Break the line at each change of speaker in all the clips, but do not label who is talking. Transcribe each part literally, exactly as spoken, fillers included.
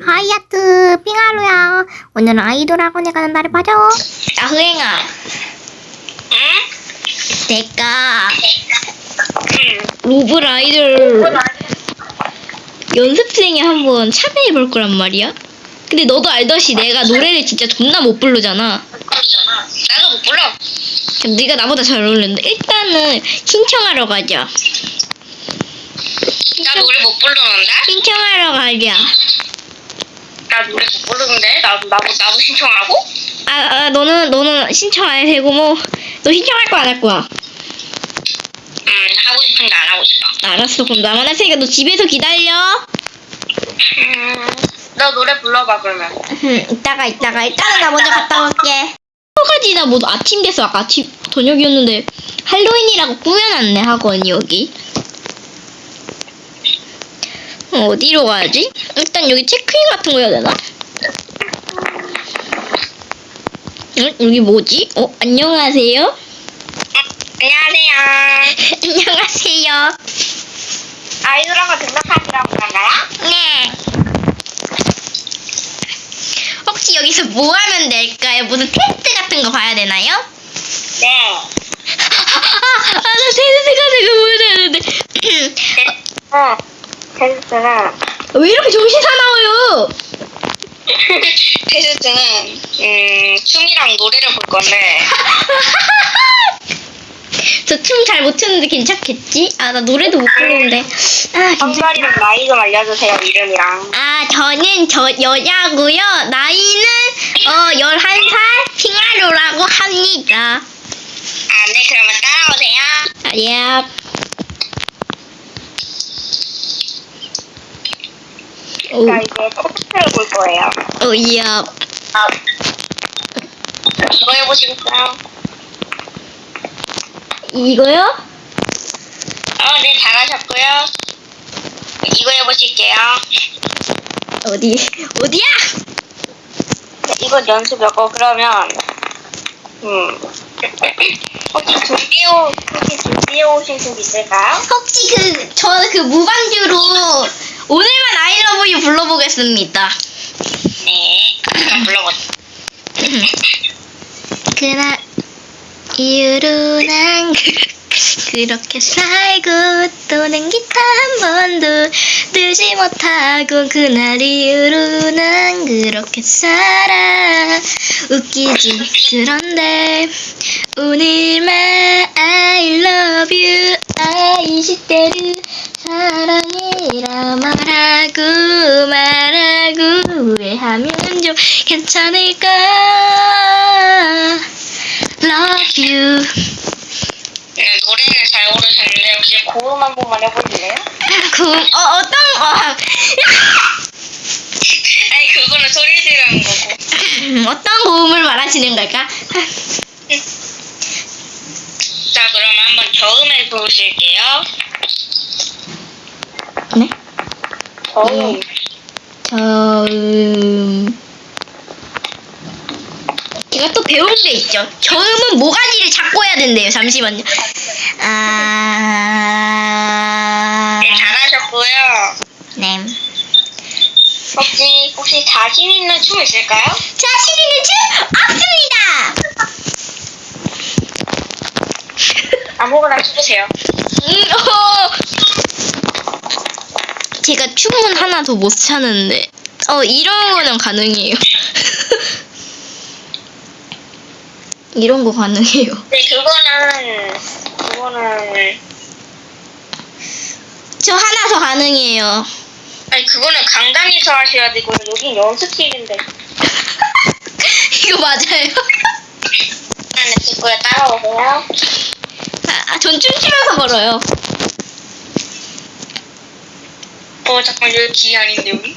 하이아트 삥하루야. 오늘은 아이돌 학원에 가는 날을 봐줘. 야 흐행아.
응?
내가
응.
로블 아이돌 연습생에 한번 참여해 볼 거란 말이야. 근데 너도 알다시 내가 노래를 진짜 존나 못 부르잖아.
나도 못 불러.
그럼 네가 나보다 잘 어울리는데 일단은 신청하러 가자.
나 노래 못 부르는데?
신청하러 가자.
나 노래 못 부르는데? 나도, 나도, 나도 신청하고?
아, 아 너는 너는 신청 안 해도 되고 뭐 너 신청할 거 안 할 거야?
응, 하고 싶은데 안 하고 싶어.
알았어. 그럼 나만 할 테니까 너 집에서 기다려.
음, 너 노래 불러봐, 그러면.
음, 이따가 이따가 일단은 나 먼저 갔다 올게. 여기까지 나 뭐 아침 됐어. 아까 아침 저녁이었는데 할로윈이라고 꾸며놨네 학원이 여기. 어, 어디로 가야지? 일단 여기 체크인 같은 거 해야 되나? 응? 여기 뭐지? 어? 안녕하세요?
안녕하세요.
안녕하세요.
아이돌하고 등록하시라고 하나요?
네. 혹시 여기서 뭐 하면 될까요? 무슨 테스트 같은 거 봐야 되나요?
네.
아, 나 테스트가 되게 보여야 되는데.
어, 테스트는,
왜 이렇게 정신 사나워요?
테스트는, 음, 춤이랑 노래를 볼 건데,
저 춤 잘 못 추는데 괜찮겠지? 아, 나 노래도 못 부르는데. 아, 괜찮.
성별이랑 나이 좀 알려주세요, 이름이랑.
아, 저는 저 여자고요. 나이는 어 열한 살 핑하루라고 합니다.
아, 네, 그러면 따라오세요.
아, 예. 오,
자, 이제 테스트를 볼 거예요.
오, 예.
아, 이거 해보시겠어요?
이거요?
어, 네, 잘하셨고요. 이거 해보실게요.
어디, 어디야?
네, 이거 연습이었고, 그러면, 음, 혹시 준비해, 오- 혹시 준비해 오신 곡 있을까요?
혹시 그, 저 그 무반주로 오늘만 I love you 불러보겠습니다.
네, 한번 불러보세요.
그날 이후로 난 그, 그렇게 살고 또는 기타 한 번도 들지 못하고 그날 이후로 난 그렇게 살아. 웃기지. 그런데 오늘만 I love you 아 이십 대를 사랑해라 말하고 말하고 후회하면 좀 괜찮을까. Love you.
네, 노래는 잘 부르셨는데, 혹시 고음 한 번만 해보실래요?
그, 어, 어떤, 어,
아니, 그거는 소리 지르는 거고.
어떤 고음을 말하시는 걸까?
자, 그러면 한번 저음에 부르실게요.
네?
저음.
저음. 제가 또 배운 게 있죠. 저음은 모가지를 잡고 해야 된대요. 잠시만요. 아.
네, 잘하셨고요.
네.
혹시, 혹시 자신 있는 춤 있을까요?
자신 있는 춤 없습니다.
아무거나 추세요.
음, 어. 제가 춤은 하나 더 못 찾는데. 어, 이런 거는 가능해요. 이런 거 가능해요.
네, 그거는, 그거는,
저 하나 더 가능해요.
아니, 그거는 강당에서 하셔야 되고, 여긴 연습실인데.
이거 맞아요?
하나 찍고요, 따라오세요.
아, 아, 전 춤추면서 걸어요.
어, 잠깐, 여기 기 아닌데, 여기?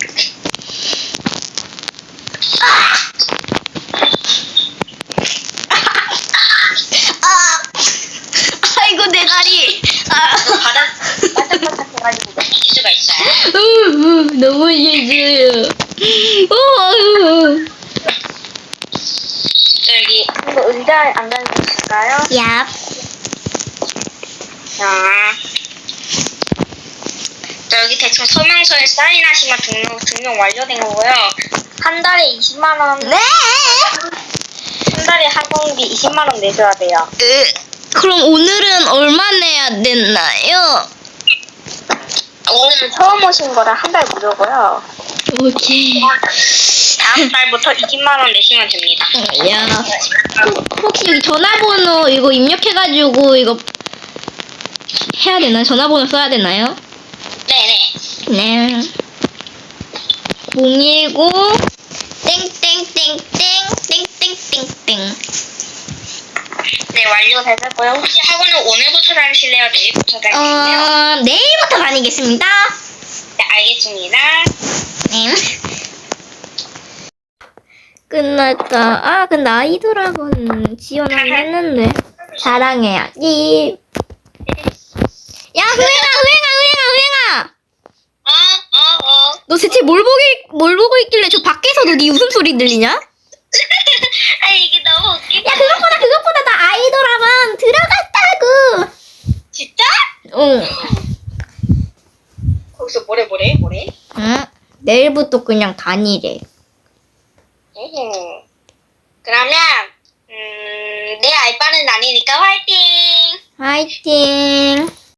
아, 아이고 내 다리. 아,
바닥, 바닥바닥 해가지고 넘어질 수가 있어요.
우, 우, 너무 싫어요. 어, 우.
저기, 이거 의자에 앉아주실까요?
야,
자, 여기 대충 설명서에 사인하시면 등록, 등록 완료된 거고요. 한 달에 이십만 원,
네.
한 달에 학원비 이십만 원 내셔야 돼요.
으, 그럼 오늘은 얼마 내야 되나요?
오늘은 처음 오신 거라 한 달 무료고요.
오케이.
다음 달부터 이십만 원 내시면 됩니다.
야, 혹- 혹시 여기 전화번호 이거 입력해가지고 이거 해야 되나요? 전화번호 써야 되나요?
네네.
네. 공일구 땡땡땡땡 땡땡땡땡.
네, 완료되셨고요. 혹시 학원은 오늘부터 다니실래요? 내일부터 다니실래요?
어, 내일부터 다니겠습니다.
네, 알겠습니다.
네. 끝났다. 아, 근데 아이돌학원 지원하긴 했는데. 자랑해야지. 야, 흐행아, 흐행아, 흐행아, 흐행아!
어, 어, 어.
너 대체 뭘 보길, 뭘 보고 있길래 저 밖에서도 네 웃음소리 들리냐? 야,
아, 이게 너무 웃기다.
그것보다, 그것보다 나 아이돌학원 들어갔다고!
진짜?
응.
거기서 뭐래, 뭐래, 뭐래?
응? 내일부터 그냥 다니래.
오. 그러면, 음, 내 알바는 아니니까 화이팅!
화이팅!